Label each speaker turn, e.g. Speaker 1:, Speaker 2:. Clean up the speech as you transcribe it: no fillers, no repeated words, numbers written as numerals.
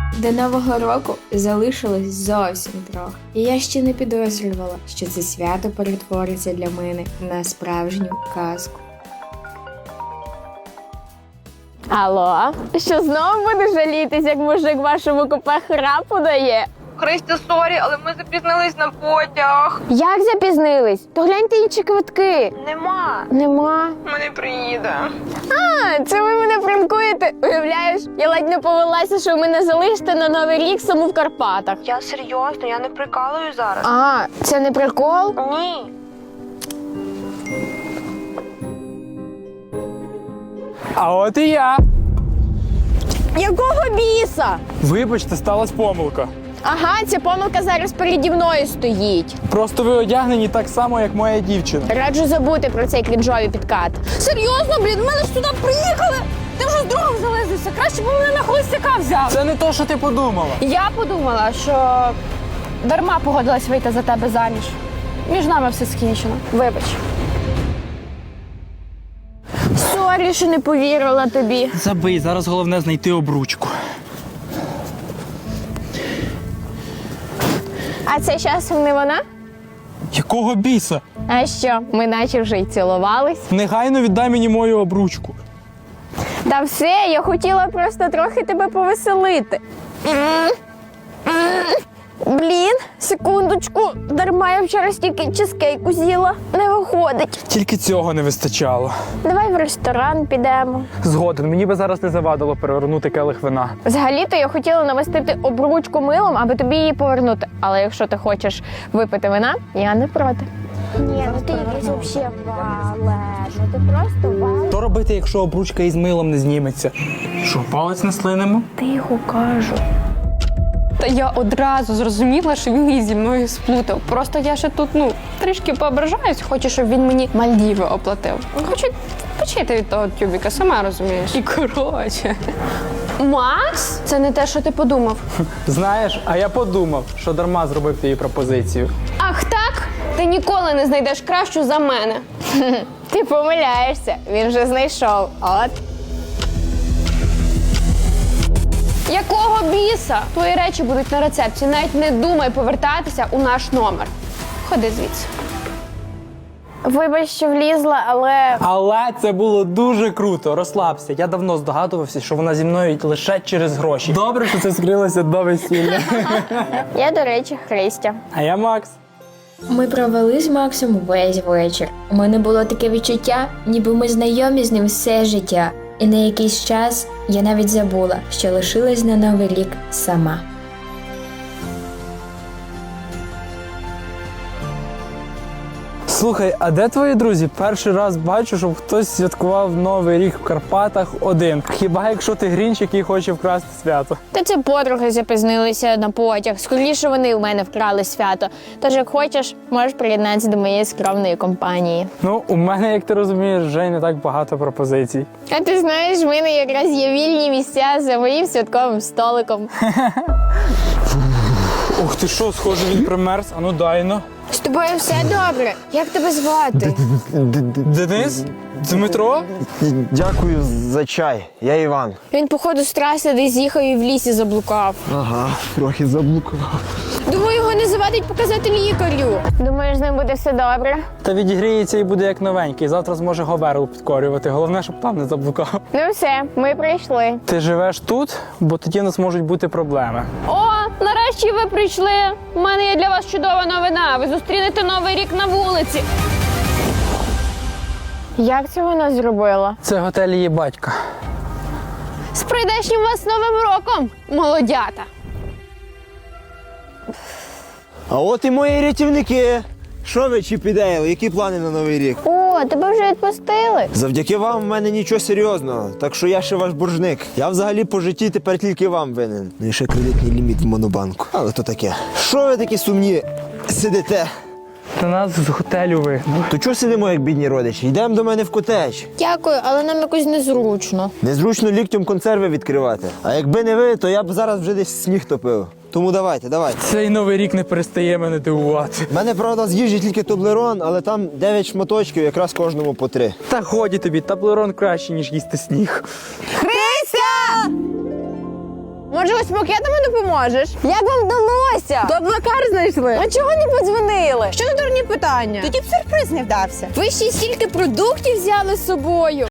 Speaker 1: До Нового року залишилось зовсім трохи. І я ще не підозрювала, що це свято перетвориться для мене на справжню казку.
Speaker 2: Алло, що знову будеш жалітись, як мужик вашому купе храпу дає?
Speaker 3: Христя, сорі, але ми запізнились на потяг.
Speaker 2: Як запізнились? То гляньте інші квитки. Нема.
Speaker 3: Ми не приїде.
Speaker 2: А, це ви мене пранкуєте? Уявляєш, я ледь не повелася, що ви мене залишите на Новий рік саму в Карпатах.
Speaker 3: Я серйозно, я не прикалую зараз.
Speaker 2: А, це не прикол?
Speaker 3: Ні.
Speaker 4: А от і я.
Speaker 2: Якого біса?
Speaker 4: Вибачте, сталася помилка.
Speaker 2: Ага, ця помилка зараз переді мною стоїть.
Speaker 4: Просто ви одягнені так само, як моя дівчина.
Speaker 2: Раджу забути про цей крінжовий підкат. Серйозно, блін, ми ж сюди приїхали. Ти вже з другом залезлися. Краще б мене на холостяка взяв.
Speaker 4: Це не то, що ти подумала.
Speaker 5: Я подумала, що дарма погодилась вийти за тебе заміж. Між нами все скінчено. Вибач.
Speaker 2: Сорі, що не повірила тобі.
Speaker 4: Забий, зараз головне знайти обручку.
Speaker 2: А це часом не вона?
Speaker 4: Якого біса?
Speaker 2: А що, ми наче вже й цілувались?
Speaker 4: Негайно віддай мені мою обручку.
Speaker 2: Та все, я хотіла просто трохи тебе повеселити. Блін, секундочку, дарма я вчора стільки чизкейку з'їла. Не виходить.
Speaker 4: Тільки цього не вистачало.
Speaker 2: Давай в ресторан підемо.
Speaker 4: Згоден, мені би зараз не завадило перевернути келих вина.
Speaker 2: Взагалі-то я хотіла намастити обручку милом, аби тобі її повернути. Але якщо ти хочеш випити вина, я не проти. Ні, ну ти якийсь взагалі вале. Ну ти просто вале.
Speaker 4: Що робити, якщо обручка із милом не зніметься? Що, палець не слинемо?
Speaker 2: Тихо кажу.
Speaker 5: Та я одразу зрозуміла, що він її зі мною сплутав. Просто я ще тут, трішки поображаюсь, хочу, щоб він мені Мальдіви оплатив. Хочу почити від того тюбіка, сама розумієш. І коротше. Макс? Це не те, що ти подумав.
Speaker 4: Знаєш, а я подумав, що дарма зробив її пропозицію.
Speaker 5: Ах так? Ти ніколи не знайдеш кращу за мене.
Speaker 2: Ти помиляєшся, він вже знайшов. От.
Speaker 5: Якого біса? Твої речі будуть на рецепції. Навіть не думай повертатися у наш номер. Ходи звідси.
Speaker 2: Вибач, що влізла, але
Speaker 4: Але це було дуже круто, розслабся. Я давно здогадувався, що вона зі мною лише через гроші. Добре, що це скрилося до весілля.
Speaker 2: я, до речі, Христя.
Speaker 4: А я Макс.
Speaker 1: Ми провели з Максом весь вечір. У мене було таке відчуття, ніби ми знайомі з ним все життя. І на якийсь час я навіть забула, що лишилась на Новий рік сама.
Speaker 4: Слухай, а де твої друзі? Перший раз бачу, щоб хтось святкував Новий рік в Карпатах один. Хіба якщо ти грінч, який хоче вкрасти свято?
Speaker 2: Та це подруги запізнилися на потяг. Скоріше вони у мене вкрали свято. Тож, як хочеш, можеш приєднатися до моєї скромної компанії.
Speaker 4: Ну, у мене, як ти розумієш, вже й не так багато пропозицій.
Speaker 2: А ти знаєш, в мене якраз є вільні місця за моїм святковим столиком.
Speaker 4: Ух ти що, схоже, він примерз. Ану, дай-но.
Speaker 2: З тобою все добре? Як тебе звати?
Speaker 4: Денис? Дмитро?
Speaker 6: Дякую за чай. Я Іван.
Speaker 2: Він, походу, з траси десь їхав і в лісі заблукав.
Speaker 6: Ага, трохи заблукав.
Speaker 2: Думаю, його не завадить показати лікарю. Думаєш, з ним буде все добре?
Speaker 4: Та відігріється і буде як новенький. Завтра зможе Говерлу підкорювати. Головне, щоб там не заблукав.
Speaker 2: Ну все, ми прийшли.
Speaker 4: Ти живеш тут, бо тоді у нас можуть бути проблеми.
Speaker 5: О, нарешті ви прийшли. У мене є для вас чудова новина. Ви зустрінете Новий рік на вулиці.
Speaker 2: Як це вона зробила?
Speaker 4: Це готель її батька.
Speaker 5: З прийдешнім вас Новим роком, молодята.
Speaker 6: А от і мої рятівники. Що ви чіпідеїли? Які плани на Новий рік?
Speaker 2: О, тебе вже відпустили.
Speaker 6: Завдяки вам в мене нічого серйозного, так що я ще ваш боржник. Я взагалі по житті тепер тільки вам винен. Ну і ще кредитний ліміт в монобанку. Але то таке. Що ви такі сумні сидите?
Speaker 4: Та нас з готелю вигнали.
Speaker 6: То чого сидимо, як бідні родичі? Йдемо до мене в котедж.
Speaker 2: Дякую, але нам якось незручно.
Speaker 6: Незручно ліктем консерви відкривати. А якби не ви, то я б зараз вже десь сніг топив. Тому давайте.
Speaker 4: Цей Новий рік не перестає мене дивувати.
Speaker 6: У мене, правда, з їжі тільки Тоблерон, але там 9 шматочків, якраз кожному по 3.
Speaker 4: Та годі тобі, таблерон краще, ніж їсти сніг.
Speaker 2: Христя! Може, ось пакетами допоможеш? Як вам вдалося? Доблакар знайшли. А чого не подзвонили? Що за дурні питання?
Speaker 7: Тоді б сюрприз не вдався.
Speaker 2: Ви ще й стільки продуктів взяли з собою.